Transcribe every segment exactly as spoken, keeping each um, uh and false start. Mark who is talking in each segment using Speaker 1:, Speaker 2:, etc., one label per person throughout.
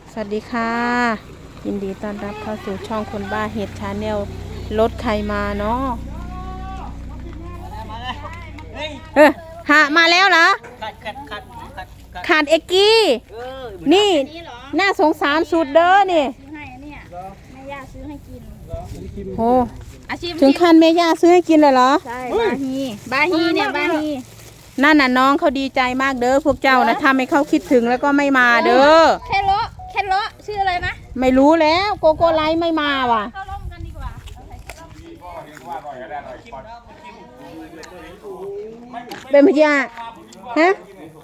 Speaker 1: สวัสดีค่ะยินดีต้อนรับเข้าสู่ช่องคนบ้าเห็ดชาแนลรถใครมาเนาะเออหามาแล้วเหรอขาดเอกกี้นี่น่าสงสารสุดเด้อนี่
Speaker 2: ซื้อให้เนี่ยแม่ย่าซื้อให้กิน
Speaker 1: โอ้
Speaker 2: อาชีพ
Speaker 1: ถึงขั้นแม่ย่าซื้อให้กินเลยเหรอ
Speaker 2: ใช่บาฮีบาฮีเนี่ยบาฮี
Speaker 1: นั่นน่ะน้องเขาดีใจมากเด้อพวกเจ้านะทำให้เขาคิดถึงแล้วก็ไม่มาเด้อ
Speaker 2: แค่เลาะแค่เลาะชื่ออะไรนะ
Speaker 1: ไม่รู้แล้วโกโก้ไลท์ไม่มาว่ะ
Speaker 2: เข้าร่มกันดีกว่า
Speaker 1: เป็นพยาฮะ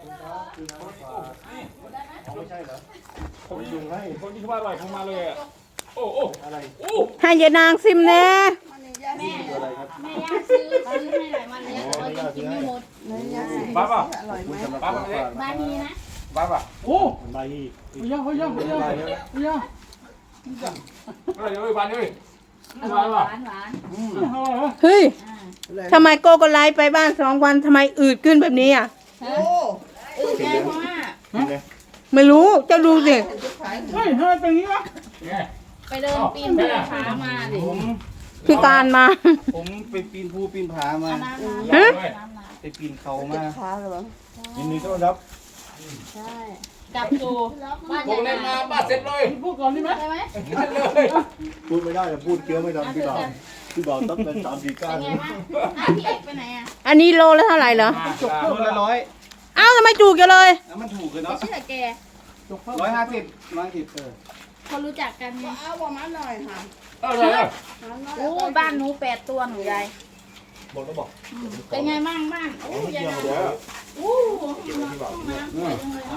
Speaker 3: ผมยุงให้คนที่ว่าอร่อยผมมาเลยอ่ะโอ้โอ้อะไรโอ้
Speaker 1: ให้ยายนางซิมแน่
Speaker 2: แม่แม่ย่าซื้อซื้อให้หลายวันแล้วเราจะกินไม่หมด
Speaker 3: บ้าป่ะ
Speaker 2: บ้าบาฮีนะ
Speaker 3: บ้าป่ะโอ้
Speaker 4: ใบฮี
Speaker 3: เฮ้ยเฮ้ยเฮ้ยเฮ้ยเฮ้ยเฮ้ยอะไรเฮ้ยบ้านเฮ้ย
Speaker 2: หวานหวานหวาน
Speaker 1: เฮ้ยทำไมโกโก้ไลท์ไปบ้านสองวันทำไมอืดขึ้นแบบนี้อ่ะ
Speaker 2: โอ้อืดแน่เพราะว่า
Speaker 1: ไม่รู้เจ้าดูสิ
Speaker 3: เฮ้ยเฮ้ยเป็นงี้วะ
Speaker 2: ไปเดินปีนผามาดิ
Speaker 1: พิการมา
Speaker 4: ผมไปปีนภูปีนผามา
Speaker 1: ฮะ
Speaker 4: ไปปีนเขามา
Speaker 3: ยินดีต้อนรับ
Speaker 2: ใช่กลับสู่บ้าน
Speaker 3: พวกเล่นมาบ้านเสร็จเลยพูดก่อนได้ไหม
Speaker 2: ใช่ไหม
Speaker 3: เลย
Speaker 4: พูดไม่ได้แต่พูดเคี้ยวไม่ทันพี่บ่าวพี่บ่าวต้องเป็นสามสี่ก้าน
Speaker 2: เป็นไงบ้างพี่เอกไปไหนอ่ะ
Speaker 1: อันนี้โลละเท่าไหร่เหรอ
Speaker 4: โลละร้อย
Speaker 1: อ้าวทำไมจูกกันเลย
Speaker 4: แล้วมันถูกเลยเนาะ
Speaker 2: ชื่อแก
Speaker 4: ร้อยห้าสิบร้อยสิบเออ
Speaker 2: เขารู้จักกันไง
Speaker 5: เอาประมาณหน่อยค่ะ
Speaker 3: เออเลย
Speaker 2: โอ้บ้านหนูแปดตัวหนูยาย
Speaker 4: บอกแล้วบอก
Speaker 2: เป็นไงบ้างบ้านโอ้ยายโอ้ห้องน้ำสวยจังเลย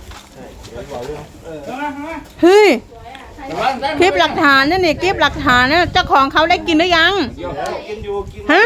Speaker 1: เฮ้ยคลิปหลักฐานนั่นนี่คลิปหลักฐานนะเจ้าของเขาได้กินหรือยัง
Speaker 4: กินอยู่กิน
Speaker 1: ฮะ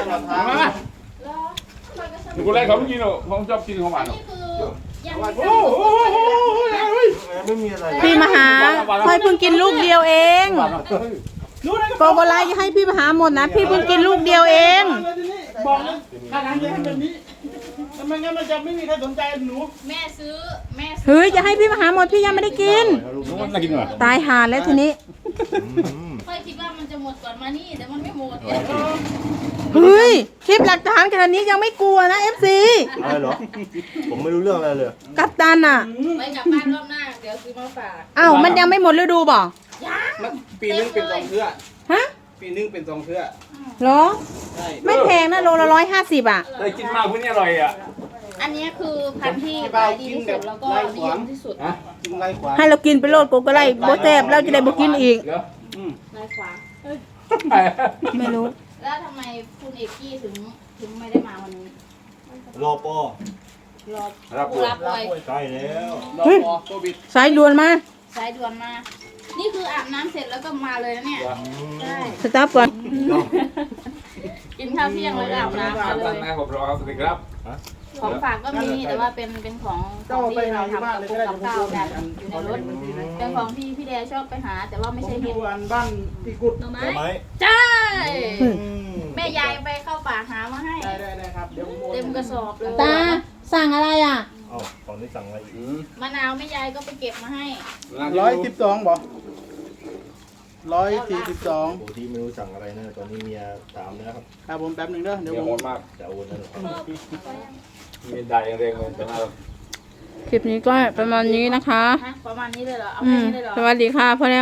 Speaker 3: หนูคนแรกเขาไม่กินหรอกผมชอบกินของหวานหรอก
Speaker 4: โอ้โหไม่มีอะไร
Speaker 1: พี่มหาค่อยเพิ่งกินลูกเดียวเองโกโกไลท์ให้พี่มหาหมดนะพี่เพิ่งกินลูกเดียวเอง
Speaker 5: บอกเลยถ้าทางจะทำแบบนี้ทำไมงั้นมันจะไม่มีใครสนใจหนู
Speaker 2: แม่ซื้อแม่
Speaker 1: เฮ้ยจะให้พี่มหาหมดพี่ยังไม่ได้กินตายหาแล้วทีนี้
Speaker 2: ค่อยคิดว่ามันจะหมดก่อนมานี่แต่มันไม่หมด
Speaker 1: เฮ้ยคลิปหลักฐานขนาดนี้ยังไม่กลัวนะเอฟซี
Speaker 4: อะไรหรอผมไม่รู้เรื่องอะไรเลย
Speaker 1: กัปตันอ่ะ
Speaker 2: ไปกลับบ้านรอบหน้าเดี๋ยวซื้อมาฝาก
Speaker 1: อ้าวมันยังไม่หมดฤดูบ่
Speaker 4: ปีนึงเป็นสองเทื่อ
Speaker 1: ฮะ
Speaker 4: ปีนึงเป็นสองเทื่อ
Speaker 1: เหรอไม่แพงนะโลละร้อยห้าสิบอ่ะ
Speaker 3: ได้กินมากพวกนี้อร่อยอ่ะ
Speaker 2: อันนี้คือพันธุ์ที่ขายดีที่สุดแล้วก็นิยมที่สุด
Speaker 4: กินไรขวา
Speaker 1: ให้เรากินไปโลดโกโกไลท์โบแซบเราจะได้โบกินอีก
Speaker 2: ไรขวา
Speaker 1: ไม่รู้
Speaker 2: แล้วทำไมคุณเอกกี้ถึงถึงไม่ได้มาวันนี้
Speaker 4: รอปอ
Speaker 2: รอผู้รับป่วย
Speaker 4: ใกล้แล้ว
Speaker 3: รอปอโควิด
Speaker 1: สายด่วนมา
Speaker 2: สายด่วนมานี่คืออาบน้ำเสร็จแล้วก็มาเลยนะเนี่ยใช่
Speaker 1: สต๊อปก่อน
Speaker 2: กินข้าวเที่ยงแล้วก็อาบน้ำมาเลย
Speaker 3: ผมรอครับสวัสดีครับ
Speaker 2: ของฝากก็มีแต่ว่าเป็นเป็นของของที่เราทำกับพวกกับข้าวกันอยู่ในรถเป็นของที่พี่แดชอบไปหาแต่ว่าไม่ใช่เห็ด
Speaker 5: บ้านพี่กุด
Speaker 2: หน่อไม้ใช่แม่ยายไปเข้าป่าหามาให้
Speaker 5: ได้ได้ครับเดี๋ยว
Speaker 2: เต็มกระสอบเลย
Speaker 1: ตาสั่งอะไรอ่ะ
Speaker 4: อ๋อตอนนี้สั่งอะไรอีก
Speaker 2: มะนาวแม่ยายก็ไปเก็บมาให้
Speaker 5: ร้อยสิบสองบอกร้อยสี่สิบสอง
Speaker 4: โอ้ที่ไม่รู้สั่งอะไรนะตอนนี้เมียถามนะครับ
Speaker 5: ครับผมแป๊บหนึ่งเด้อเดี๋ยวผม
Speaker 3: มาก
Speaker 4: จะโอนนะ
Speaker 3: มีได้ยังเร่งเลยจะมา
Speaker 1: คลิปนี้ก็ประมาณนี้นะคะ
Speaker 2: ประมาณนี้เลยเหรอเอาแค่นี้เลยเหรอ
Speaker 1: สวัสดีค่ะพ่อ